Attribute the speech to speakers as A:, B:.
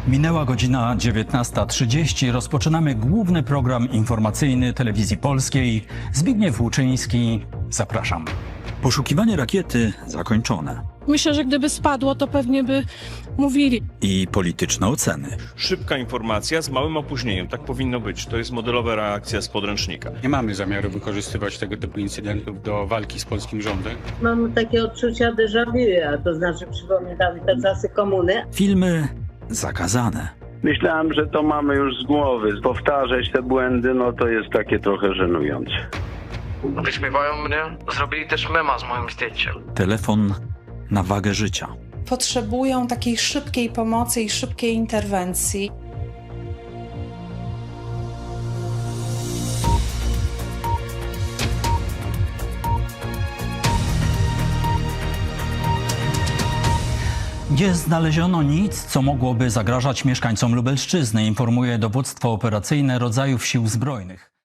A: Minęła godzina 19:30. Rozpoczynamy główny program informacyjny Telewizji Polskiej. Zbigniew Łuczyński, zapraszam. Poszukiwanie rakiety zakończone.
B: Myślę, że gdyby spadło, to pewnie by mówili.
A: I polityczne oceny.
C: Szybka informacja z małym opóźnieniem. Tak powinno być. To jest modelowa reakcja z podręcznika.
D: Nie mamy zamiaru wykorzystywać tego typu incydentów do walki z polskim rządem.
E: Mam takie odczucia déjà vu, a to znaczy przypominam te czasy komuny.
A: Filmy zakazane.
F: Myślałem, że to mamy już z głowy. Powtarzać te błędy, no to jest takie trochę żenujące.
G: Wyśmiewają mnie. Zrobili też mema z moim zdjęciem.
A: Telefon na wagę życia.
H: Potrzebują takiej szybkiej pomocy i szybkiej interwencji.
A: Nie znaleziono nic, co mogłoby zagrażać mieszkańcom Lubelszczyzny, informuje dowództwo operacyjne rodzajów sił zbrojnych.